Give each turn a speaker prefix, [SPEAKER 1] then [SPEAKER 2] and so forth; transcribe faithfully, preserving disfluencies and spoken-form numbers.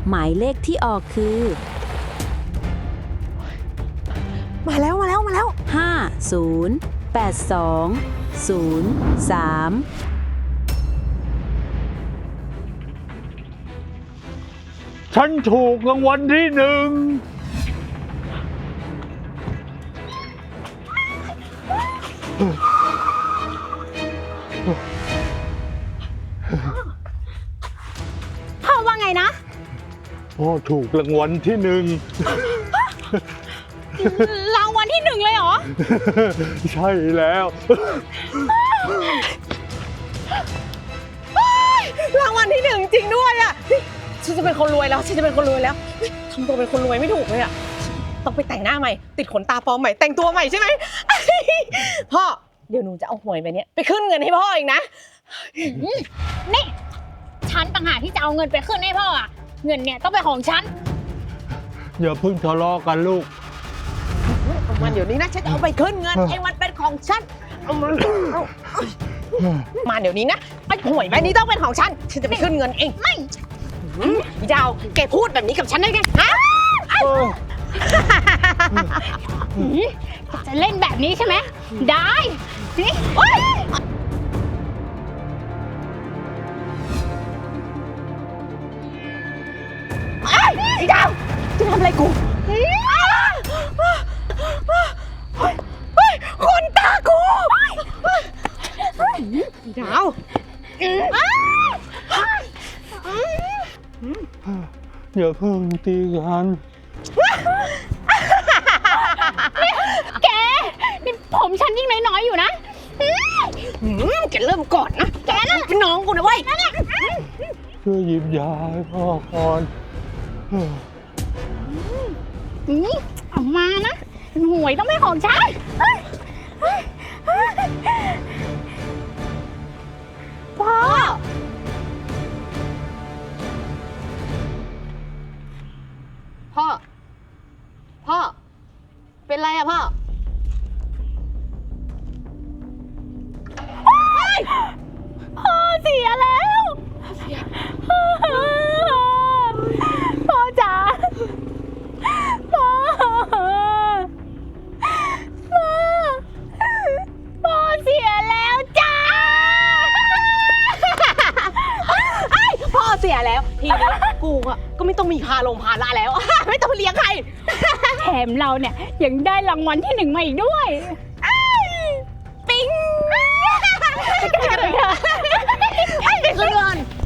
[SPEAKER 1] หมายเลขที่ออกคือ
[SPEAKER 2] มาแล้วมาแล้วมาแล้ว
[SPEAKER 1] ห้า ศูนย์ แปด สอง ศูนย์ สาม
[SPEAKER 3] ฉันถูกรางวัลที่หนึ่ง
[SPEAKER 2] พ่อว่าไงนะ
[SPEAKER 3] พ่อถูกรางวัลที่หนึ่ง
[SPEAKER 2] รางวัลที่หนึ่งเลยเหรอ
[SPEAKER 3] ใช่แล้ว
[SPEAKER 2] รางวัลที่หนึ่งจริงด้วยอ่ะฉันจะเป็นคนรวยแล้วฉันจะเป็นคนรวยแล้วทำตัวเป็นคนรวยไม่ถูกเลยอ่ะต้องไปแต่งหน้าใหม่ติดขนตาปลอมใหม่แต่งตัวใหม่ใช่ไหมพ่อเดี๋ยวหนูจะเอาหวยไปเนี้ยไปขึ้นเงินให้พ่อเองนะ
[SPEAKER 4] นี่ฉันต่างหากที่จะเอาเงินไปขึ้นให้พ่ออ่ะเงินเนี่ยต้องเป็นของฉัน
[SPEAKER 3] อย่าเพิ่งทะเลาะกันลูก
[SPEAKER 2] เอามันเดี๋ยวนี้นะฉันจะเอาไปขึ้นเงินไอ้มันเป็นของฉันเอามันมาเดี๋ยวนี้นะไอ้หวยใบนี้ต้องเป็นของฉันฉันจะไปขึ้นเงินเองไม่พี่ดาวแกพูดแบบนี้กับฉันได้ไงฮะ
[SPEAKER 4] จะเล่นแบบนี้ใช่ไหมได้นี่
[SPEAKER 2] พี่ดาวจะทำอะไรกูคนตากูพี่ดาว
[SPEAKER 3] อย่าเพิ่งตีกัน
[SPEAKER 4] แกนี่ผมฉันยิ่งน้อยๆอยู่นะ
[SPEAKER 2] แกเริ่มก่อนนะแกนั่นเป็นน้องกูนะเว้ย
[SPEAKER 3] ช่วยหยิบยาให้พ่อก่อน
[SPEAKER 4] เอามานะหวยต้องเป็นของฉัน
[SPEAKER 2] พ่อพ่อพ่อเป็นไรอะพ่อ
[SPEAKER 4] พ่อเสียแล้วพ่อจ๋าพ่อพ่อพ่อเสียแล้วจ้า
[SPEAKER 2] พ่อเสียแล้วทีนี้กูอะก็ไม่ต้องมีพาลงพาละแล้วไม่ต้องเลี้ยงใคร
[SPEAKER 4] แถมเราเนี่ยยังได้รางวัลที่หนึ่งมาอีกด้วย
[SPEAKER 2] ปิ๊งไปกันไปกันไปขึ้นเงิน